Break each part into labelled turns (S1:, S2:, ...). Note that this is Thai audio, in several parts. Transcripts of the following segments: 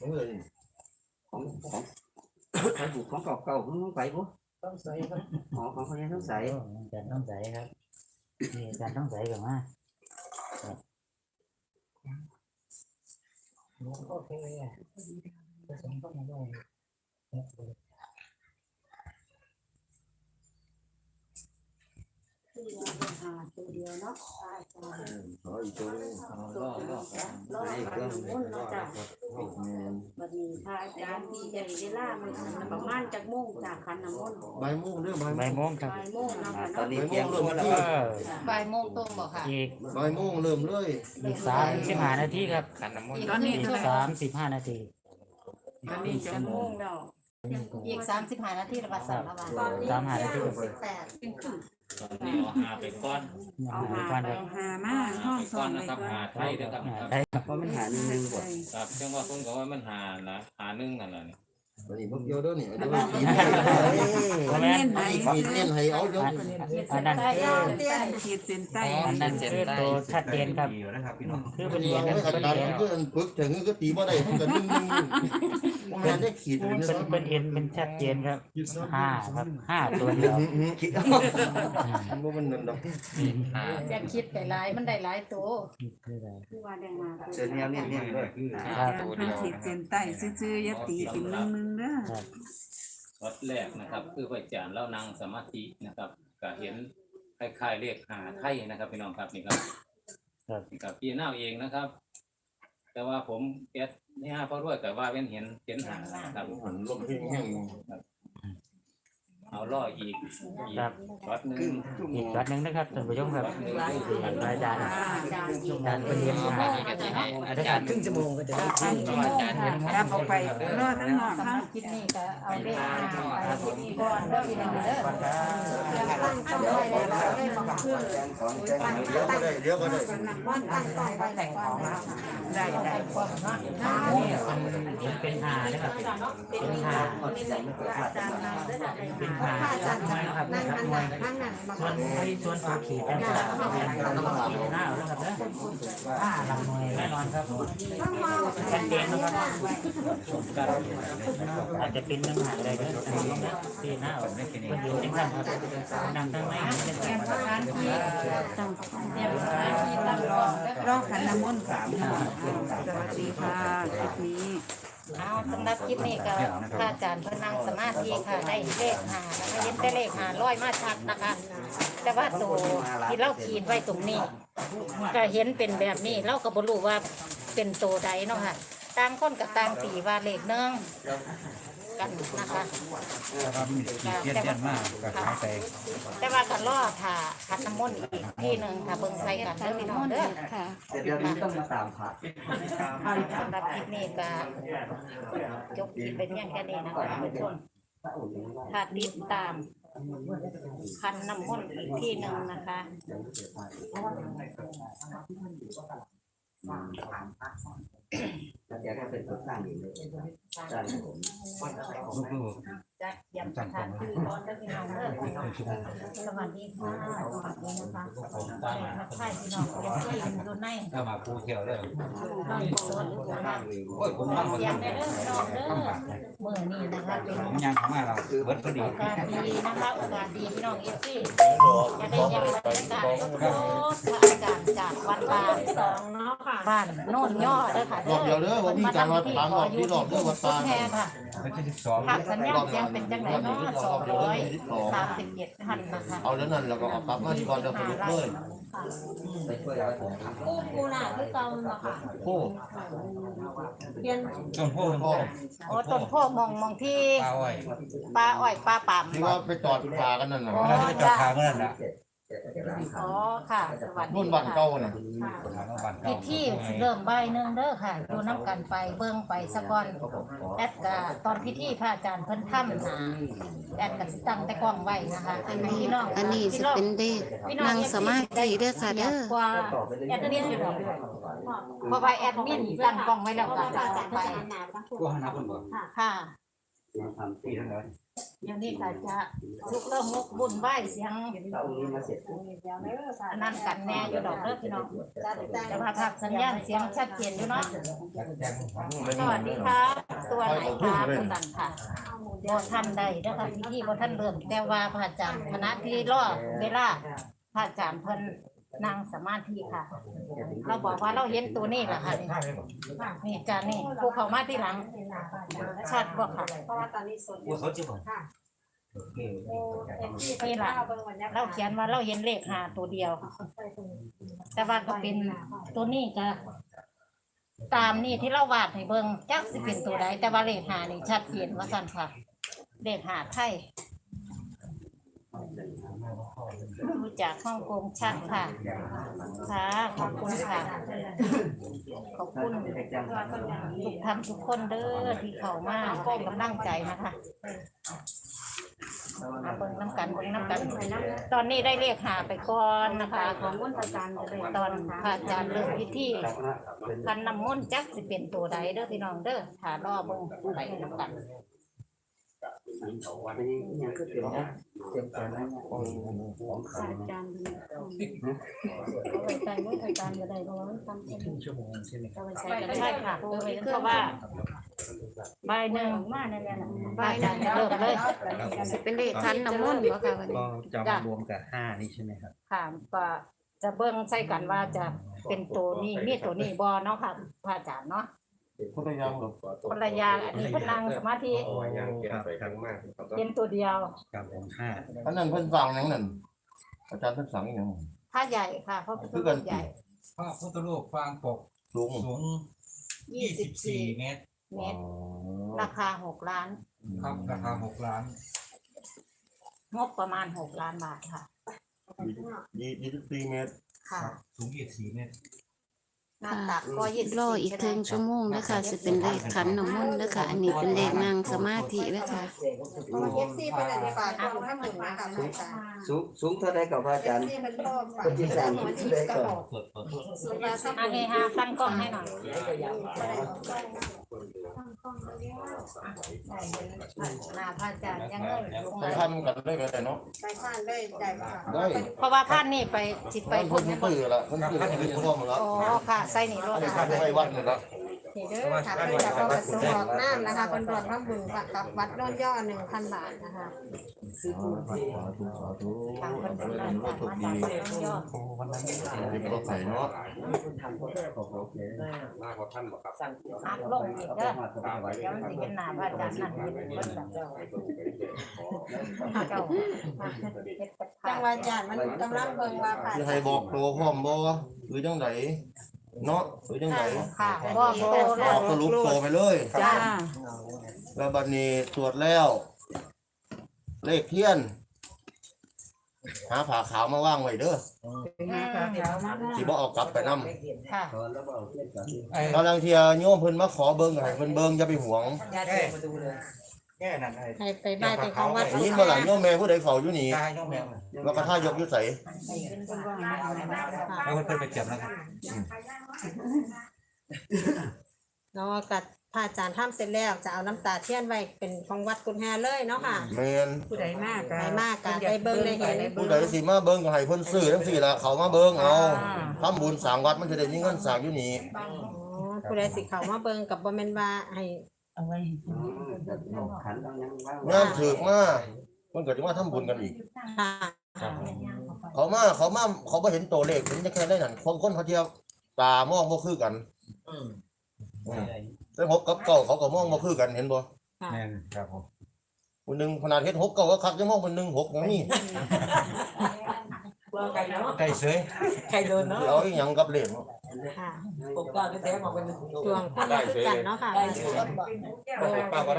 S1: ใครบุกของเก่าๆของไปปุ๊ต้องใส่ครับอ๋อของคนนี้ต้องใส่จานต้องใส่ครับนี่จานต้องใส่ก่อนนะโอเคผสมเข้ามาด้วยตัวเดียวเนาะอีกตัวนึงรอมุ่นเนาะจ้ะบัดนี้พระอาจารย์ที่จะเวลามันประมาณจักโมงจากขันน้ำมนต์บ่ายโมงเด้อบ่ายโมงครับบ่ายโมงเนาะตอนนี้เที่ยงคืนแล้ว
S2: บ่ายโมงตรงบอกค่ะ
S1: อีกบ่ายโมงเริ่มเลยอีก35 นาทีครับขันน้ำมนต์ตอนนี้35 นาที
S2: ตอนนี้จะโมงแล้วอีก35 นาทีละบาท3 บาท
S1: 35 นาที
S3: ตอนนี้เอาหาไปก้อน
S2: เอาหามาห้องสอนไปก่อน
S3: หาไทยเด้อครับ
S1: เพราะมันหาหนึ่งกว่า
S3: ครับจังว่าผมก็ว่ามันหานะหาหนึ่งนั่นแหละนี่
S1: วันนี้พวกเดียวเด้อนี่เดี๋ยวมันเน้นให้เอาเดี๋ยว
S2: อันนั้นขีดเส้นใต้
S1: อันนั้นคือตัวชัดเจนครับคือเป็นเรียนกันเป็นเรียนคือปึ๊กถึงก็ตีบ่ได้กันนึงงานได้ขีดเป็นเอ็นเป็นชัดเจนครับ5ครับ5ตัวเดียวบ่มันนั่นดอก
S2: จะคิดไปหลายมันได้หลายตัวคือว่าได้มา
S1: เส้นแนวเนี่ยด้วย
S2: ตัวเดียวขีดเส้นใต้ซื่อๆอย่าตีเป็นนึงเด้อ
S3: วัดแรกนะครับคือพระอาจารย์เล่านางสมาธินะครับก็เห็นคล้ายๆเลขหาไทยนะครับพี่น้องครับนี่ครับกับพี่น้าเองนะครับแต่ว่าผมแก๊สนี่ฮะเพราะด้วยแต่ว่าเห็นหานะครับ
S1: ลมแห้ง
S3: เอาล่ออีกวัดนึง
S1: อีกวัดนึงนะครับท่านผู้ชมครับอาจารย์เป็นเรียนมาอาจารย์ครึ่งชั่วโมงก็จะได้
S2: รับออกไปรอทั้งนอกทั้งคิดนี่ก็เอาเลขไปก่อนเด้อพี่น้องเด้อตั้งไปแล้วได้มาเพื่อ
S1: เดี๋ยวก็ได้
S2: ตั้งไปแต่งของได้ความ
S1: นี่เป็นหานะครับเป็นหาเป็นหาครับส่วนตัวขีดแต่หน้าแล้วครับนะลำมวยแน่นอนครับชัดเจนนะครับอาจจะเป็นน้ำหนักอะไรก็ได้ที่หน้าคนอยู่ที่นั่นครับนั่งทั้งในเป็นแค่ร้านที่ตั้งรอขันน้ำมนต์สวัสดีค่ะคลิปนี้
S4: สำหรับคลิปนี้ก็พระอาจารย์เพิ่นนั่งสมาธิค่ะได้เลขหานะคะเห็นแต่เลข500มาชัดนะคะแต่ว่าตัวที่เราขีดไว้ตรงนี้ก็เห็นเป็นแบบนี้เราก็บ่รู้ว่าเป็นตัวใดเนาะค่ะต่างคนกับต่างตีว่าเลขนึงกันนะคะแต่ว่าก็รอถ่าขันน้ำมนต์อีกที่นึงค่ะเบิ่งใส่กันเด้อพี่น้องเด้อค่ะ
S1: เดี๋ยวนี้ต้องมาตามพระ
S4: สำหรับคลิปนี้ก็จบคลิปเป็นอย่างแค่นี้นะคะท่านผู้ชมถ้าติดตามขันน้ำมนต์อีกที่นึงนะคะ
S1: อยากให้เป็นตัวสร้างอยู่เลยสร้างผม
S4: จะย้ำสถานที่ร้อนได้พี่น้องเด้อสวัสดีค่ะสวัสดีนะคะทักทายพี่น้องเอฟซีอยู่ใน
S3: ถ้ามาพูดเที่ยวเลย
S4: บ้านสวนโอ้ยผมนั่งเสียงได้เด้อน้องเด้อเมื่อนี้นะคะเป็น
S3: ยังของเราเบิดพอดี
S4: โอกาสดีนะคะโอกาสดีพี่น้องเอฟซีจะได้ยังบรรยากาศสดๆพระอาจารย์จากวัดบาง2เนาะค่ะบ้านโน่นย่อเด้อค่ะ
S1: เดี๋ยวเด้อว่ามีการวัดบางที่รอบเด้อวัดบาง
S4: ค่ะสัญญาณเสียงเป็นจังไหนเนาะ237 ท่านนะคะ
S1: เอาแล้วนั่นเราก็เอากลับมาที่ก่อนจะสรุปเลย
S2: กูน่ะคือเก่าเนาะค่ะ
S1: โอ้
S2: เปลี่ยน
S3: ต้นโพธิ์
S4: โอ้ต้นโพมองที่ปลาอ้อยปลาป่าม
S1: ที่ว่าไปจอดปลากันนั่นน่ะ
S3: ไปจอดปลาเมื่อนั้นนะ
S4: อ๋อค่ะสวัสดี
S1: รุ่นบ้านเก่าน่ะ
S4: พิธีเริ่มบ่ายนึงเด้อค่ะดูน้ำกันไปเบิ่งไปซะก่อนแอดก็ตอนพิธีพระอาจารย์เพิ่นทำนะแอดก็สิตั้งแต่กล้องไว้นะคะ
S5: อันนี้สิเป็นเด็กนั่งสมาธิเด้อค่ะเด้อ
S4: แอดมินอยู่ดอกเพราะว่าแอดมินตั้งกล้องไว้แล้วก็จะไป
S3: ก็หาคนบ่
S4: ค่ะอย่างนี้ก็จะทุกเรื่องมุกบุญไหว้เสียงอันนั้นกันแน่อยู่ดอกเด้อพี่น้องแต่ว่าภาพสัญญาณเสียงชัดเจนอยู่เนาะสวัสดีค่ะตัวไหนคะคุณสันค่ะบ่ทันได้เด้อค่ะพิธีบ่ทันเริ่มแต่ว่าพระอาจารย์คณะที่รอเวลาพระอาจารย์เพิ่นนั่งสมาธิค่ะ เราบอกว่าเราเห็นตัวนี้แหละค่ะนี่จานนี่ผู้เข้ามาที่หลังชัดบ่ค่ะเพราะว่าตอนนี้สดอยู่ค่ะนี่แหละเราเขียนว่าเราเห็นเลข5ตัวเดียว แต่ว่าก็เป็นตัวนี้ก็ตามนี่ที่เราวาดให้เบิ่งจักสิเป็นตัวใดแต่ว่าเลข5นี่ชัดเจนว่าซั่นค่ะเลข5ไทยดูจากฮ่องกงชัดค่ะค่ะขอบคุณค่ะขอบคุณทุกท่านทุกคนเด้อที่เข้ามาให้กำลังใจนะคะมาเบิ่งน้ำกันตอนนี้ได้เรียกหาไปก่อนนะคะของมนต์อาจารย์ตอนพระอาจารย์เริ่มพิธีคันน้ำมนต์จักสิเป็นตัวใดเด้อพี่น้องเด้อถ้ารอเบิ่งไปน้ำกันใจไม่อาจารย์ก็ได้เพราะว่ามันทำเป็นชั่วโมงใช่ไหมใช่ก็ได้ค่ะเพราะว่าใบหนึ่งมาในนี้นะใบอาจารย์เริ่มเลย
S5: สิเป็นเลขขันน้ำมนต์บ่ค่ะวันนี้
S6: ก็จะมารวมกับ5นี่ใช่ไหมครับ
S4: ค่ะก็จะเบิ่งใส่กันว่าจะเป็นตัวนี้มีตัวนี้บ่เนาะค่ะพระอาจารย์เนาะคนละอย่างอันนี้เพิ่นนั่งสมาธิ
S6: ครับ
S4: เป็นตัวเดียว
S6: กับผม5
S7: อันนั้นเพิ่นสั่งหยังนั่นอาจารย์เพิ่นสั่งอีหยัง
S4: ผ้าใหญ่ค่ะเพราะเป็นตัวใหญ่
S8: พระพุทธรูปฟางปก
S7: สูง
S8: สูง24 เมตร
S4: เมตรราคา6 ล้าน
S8: ครับราคา6 ล้าน
S4: งบประมาณ6 ล้านบาทค่ะ
S7: 24 เมตร
S4: ค่ะ
S8: สูง24 เมตร
S4: หน้าตักก็20
S5: รออีกครึ่งชั่วโมงนะคะสิเป็นเลขขันน้ำมนต์นะคะอันนี้เป็นเลขนั่งสมาธินะคะ
S2: FC เพิ่นได้ฝากเอาข้างบนนะคะอาจารย์
S9: สูงเท่าไรกับพระอาจารย์
S2: FC เพิ่นก็ฝากเรื่องหัวชิปกระบอกสุราสับ
S4: อันนี้ฮะตั้งกล้องให้หน่อยหน้าพระอาจารย์ยังเงินลง
S7: ไป
S4: มา
S7: ทันกันได้ก็ได้เนาะ
S2: ไปผ่านได้ใจค่ะ
S7: ได้
S4: เพราะว่าท่านนี่ไปสิไป
S7: เพิ่
S4: พุ่
S7: น
S4: น
S7: ตื้อละเพิ่นตื้อให้เรียนพร้อมแล้ว
S4: อ๋อค่ะใส่นี่รถ
S7: ได้
S4: ค่ะ
S7: ทำให้วัดนี่ละ
S2: นี่เด้อค่ะเพิ่นจะเอากระสุนออกน้ำนะคะเพิ่นรวมทั้งบุญกับวัดโน่นย่อ 1,000 บาทนะคะ
S7: สาธุ
S4: ทางคนเป็นร้าน
S7: โชคดี
S4: ยอด
S7: ที่บ่ใส่เนาะ
S4: อัพลงอีกเด้อเดี๋ยวมันสิเห็นหน้าพระอาจารย์นั่นเห็นเพิ่นแบบเจ้าเฮ็ดกับ
S2: จังหวัดญาติมันกำลังเบิ่งว่าผ่าน
S7: สิให้บอกตัวพร้อมบ่หรือจังไดเนาะหรือจังได
S4: ค่ะบ่โต
S7: บอกสรุปตัวไปเลย
S4: จ้า
S7: แล้วบัดนี้ตรวจแล้ว เลขเทียน หาผ้าขาวมาว่างไว้เด้อสิบ่เอากลับไปนำ
S4: ค่ะ
S7: กำลังเที่ยโยมเพิ่นมาขอเบิ่งให้เพิ่นเบิ่งอย่าไปหวง
S6: แค่นั้น
S2: ให้ไปบ้านไปของวัด
S7: ได้ยินบ่ล่ะโยมแม่ผู้ใดเฝ้าอยู่นี่
S6: ตายย่อมแมว
S7: แล้วก็ท่ายกอยู่ไส
S8: แล้วเพิ่นไปเก็บนะครับ
S2: เนาะกับพระอาจารย์ทำเสร็จแล้วจะเอาน้ำตาเทียนไว้เป็นของวัดกุฎแฮเลยเนาะค่ะ
S7: แม่น
S2: ผู้ใดมากไปมากกันได้เบิ่งได้เห็น
S7: ผู้ใดสิมาเบิ่งก็ให้เพิ่นซื้อจังซี่ล่ะเขามาเบิ่งเอาทำบุญสร้างวัดมันจะได้มีเงินสร้างอยู่นี่
S2: อ๋อผู้ใดสิเข้ามาเบิ่งกับบ่แม่นว่าให้
S7: งานถึกมามันก็สิมาทำบุญกันอีก
S2: ค่ะ
S7: เขามาเขาบ่เห็นตัวเลขเห็นแต่แค่ได้นั่นคนเขาเที่ยวตามองบ่คือกันแต่6กับ9เขาก็มองบ่คือกันเห็นบ่
S6: แม่นครับผม
S7: คนหนึงขนาดเฮ็ด6 9ก็คักยังมองคนหนึง6ยังมี
S8: ไก่เสย
S7: สิเอาอีหยังกับเลขเนาะ
S2: ค่ะดวงคนละคือกันเนาะค่ะ
S8: ป้าก็ได้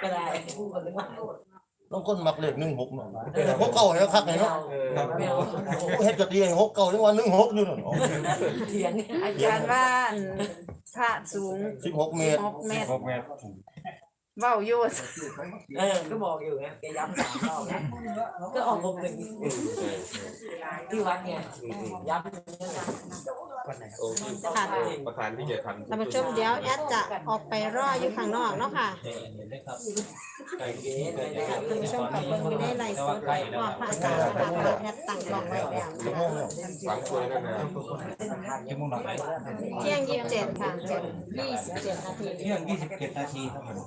S7: บางคนมักเลข16เนาะ6 9ให้คักให้เนาะ
S8: ครับ
S7: เฮ็ดกะตีให้6 9จังว่า16อยู่นั่น
S2: อาจารย์ว่าพระสูง
S7: 16 เมตร
S2: 6 เมตร
S6: 6 เมตร
S2: เว้าอยู่
S10: ก็บอกอยู่ไงแกย้ำ3 รอบนะก็ออก6 1ที่วัดเนี่ยย้ำ
S8: โอ้ที่
S9: ค่ะ
S8: ประธานที่จะทำ
S9: ท่านผู้ชมเดี๋ยวแอดจะออกไปรออยู่ข้างนอกเนาะค่ะ
S3: ไก่เก๋
S9: ท่านผู้ชมกับเบิ่งอยู่ในไลฟ์สดว่าพระอาจารย์นะคะแอดตั้งกล้องไว้แล้ว
S8: ฝังตัวนั่นนะ
S6: ชั่วโมงหน่อย
S9: เที่ยง27ค่ะ27นาที
S6: เที่ยง27 นาทีครับผม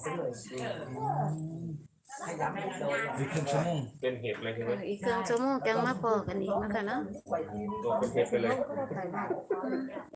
S6: อีกครึ่งชั่วโมง
S8: เป็นเห็ดเลยใช่ไหม
S5: อีกครึ่งชั่วโมงจังมาพอกันอีกนะคะเนาะ
S8: ตัวเป็นเห็ดไปเลย